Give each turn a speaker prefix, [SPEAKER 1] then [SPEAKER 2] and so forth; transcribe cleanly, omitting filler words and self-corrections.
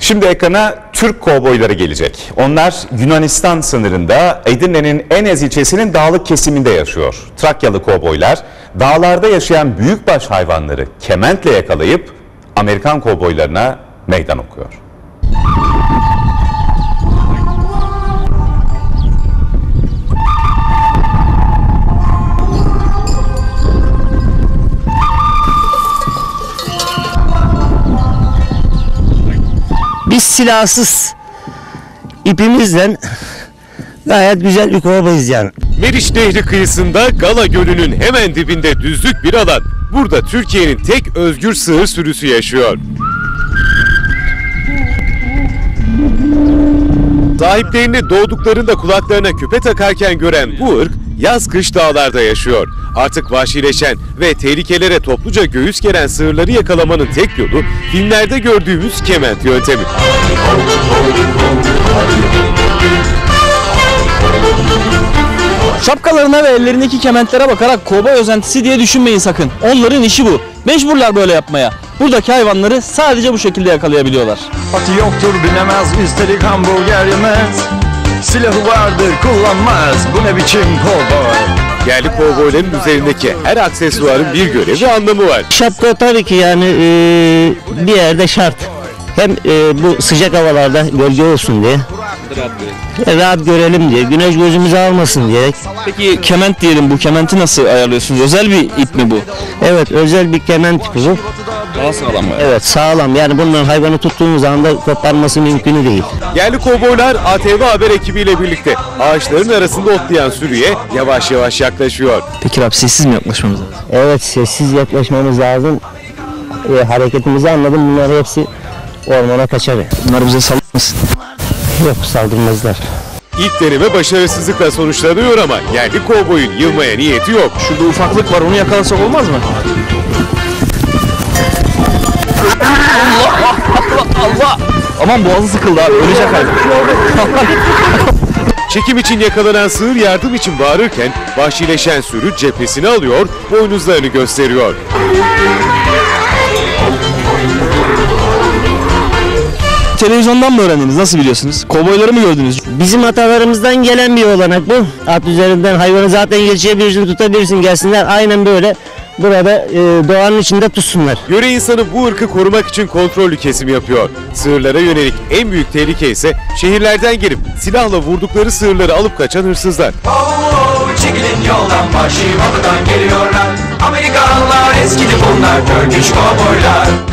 [SPEAKER 1] Şimdi ekrana Türk kovboyları gelecek. Onlar Yunanistan sınırında Edirne'nin Enez ilçesinin dağlık kesiminde yaşıyor. Trakyalı kovboylar dağlarda yaşayan büyükbaş hayvanları kementle yakalayıp Amerikan kovboylarına meydan okuyor.
[SPEAKER 2] Biz silahsız ipimizle gayet güzel bir kovboyuz yani.
[SPEAKER 3] Meriç Nehri kıyısında Gala Gölü'nün hemen dibinde düzlük bir alan. Burada Türkiye'nin tek özgür sığır sürüsü yaşıyor. Sahiplerini doğduklarında kulaklarına küpe takarken gören bu ırk yaz-kış dağlarda yaşıyor. Artık vahşileşen ve tehlikelere topluca göğüs geren sığırları yakalamanın tek yolu filmlerde gördüğümüz kement yöntemi.
[SPEAKER 4] Şapkalarına ve ellerindeki kementlere bakarak kovboy özentisi diye düşünmeyin sakın. Onların işi bu. Mecburlar böyle yapmaya. Buradaki hayvanları sadece bu şekilde yakalayabiliyorlar.
[SPEAKER 5] Atı yoktur binemez, üstelik hamburger yemez. Silahı vardır kullanmaz, bu ne biçim kovboy.
[SPEAKER 3] Yerli kovboyların üzerindeki her aksesuarın bir görevi ve anlamı var.
[SPEAKER 2] Şapka tabii ki yani bir yerde şart. Hem bu sıcak havalarda gölge olsun diye. Rahat görelim diye, güneş gözümüzü almasın diye.
[SPEAKER 4] Peki kement diyelim, bu kementi nasıl ayarlıyorsunuz? Özel bir ip mi bu?
[SPEAKER 2] Evet, özel bir kement tipi bu.
[SPEAKER 4] Daha sağlam mı?
[SPEAKER 2] Evet, sağlam. Yani bunların hayvanı tuttuğumuz anda koparması mümkün değil.
[SPEAKER 3] Yerli kovboylar ATV Haber ekibiyle birlikte ağaçların arasında otlayan sürüye yavaş yavaş yaklaşıyor.
[SPEAKER 4] Peki abi, sessiz mi yaklaşmamız lazım?
[SPEAKER 2] Evet, sessiz yaklaşmamız lazım. Hareketimizi anladım. Bunlar hepsi ormana kaçar.
[SPEAKER 4] Bunlar bize saldırmasın.
[SPEAKER 2] Yok, saldırmazlar.
[SPEAKER 3] İlk deneme başarısızlıkla sonuçlanıyor ama yerli kovboyun yılmaya niyeti yok.
[SPEAKER 4] Şurada ufaklık var, onu yakalasak olmaz mı? Allah! Aman boğazı sıkıldı abi, ölecek abi.
[SPEAKER 3] Çekim için yakalanan sığır yardım için bağırırken vahşileşen sürü cephesini alıyor, boynuzlarını gösteriyor.
[SPEAKER 4] Televizyondan mı öğrendiniz? Nasıl biliyorsunuz? Kovboyları mı gördünüz?
[SPEAKER 2] Bizim atalarımızdan gelen bir olanak bu. At üzerinden hayvanı zaten geçebilirsin, tutabilirsin, gelsinler. Aynen böyle burada doğanın içinde tutsunlar.
[SPEAKER 3] Yöre insanı bu ırkı korumak için kontrollü kesim yapıyor. Sığırlara yönelik en büyük tehlike ise şehirlerden gelip silahla vurdukları sığırları alıp kaçan hırsızlar.
[SPEAKER 6] Çekilin yoldan, vahşi batıdan geliyorlar. Amerikanlar eskidi bunlar, Turkish kovboylar.